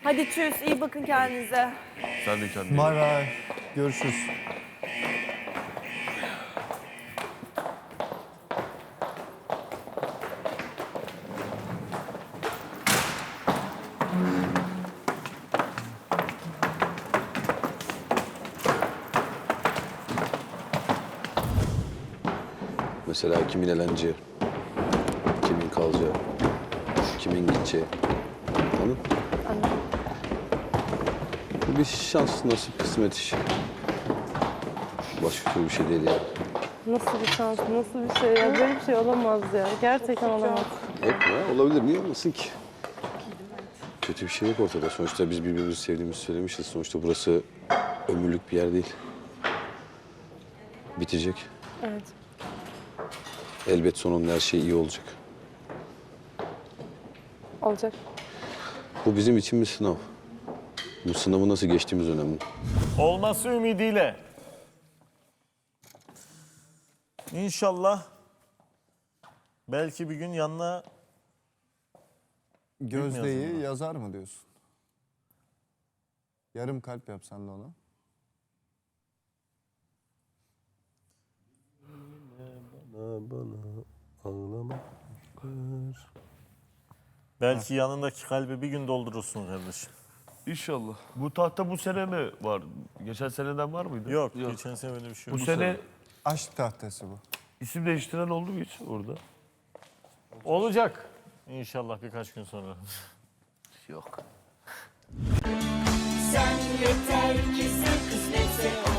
Hadi tschüss, iyi bakın kendinize. Sen de kendine. Bay bay. Görüşürüz. Mesela kimin eleneceği, kimin kalacağı, kimin gideceği. Anladın mı? Anladım. Bu bir şans, nasip, kısmet işi. Başka türlü bir şey değil yani. Nasıl bir şans, nasıl bir şey ya? Böyle bir şey olamaz ya. Gerçekten olamaz. Yok ya, olabilir. Niye olmasın ki? Kötü bir şey yok ortada. Sonuçta biz birbirimizi sevdiğimizi söylemişiz. Sonuçta burası ömürlük bir yer değil. Bitecek. Evet. Elbet sonunda her şey iyi olacak. Olacak. Bu bizim için bir sınav. Bu sınavı nasıl geçtiğimiz önemli. Olması ümidiyle. İnşallah belki bir gün yanına Gözde'yi yazar mı diyorsun? Yarım kalp yapsan da ona. belki yanındaki kalbi bir gün doldurursun kardeşim. İnşallah. Bu tahta bu sene mi var? Geçen seneden var mıydı? Yok, geçen sene öyle bir şey Bu yok. sene Aşk tahtası bu. isim değiştiren oldu mu hiç orada? Olacak. İnşallah birkaç gün sonra. Yok. Sen yeter ki sen kısmetse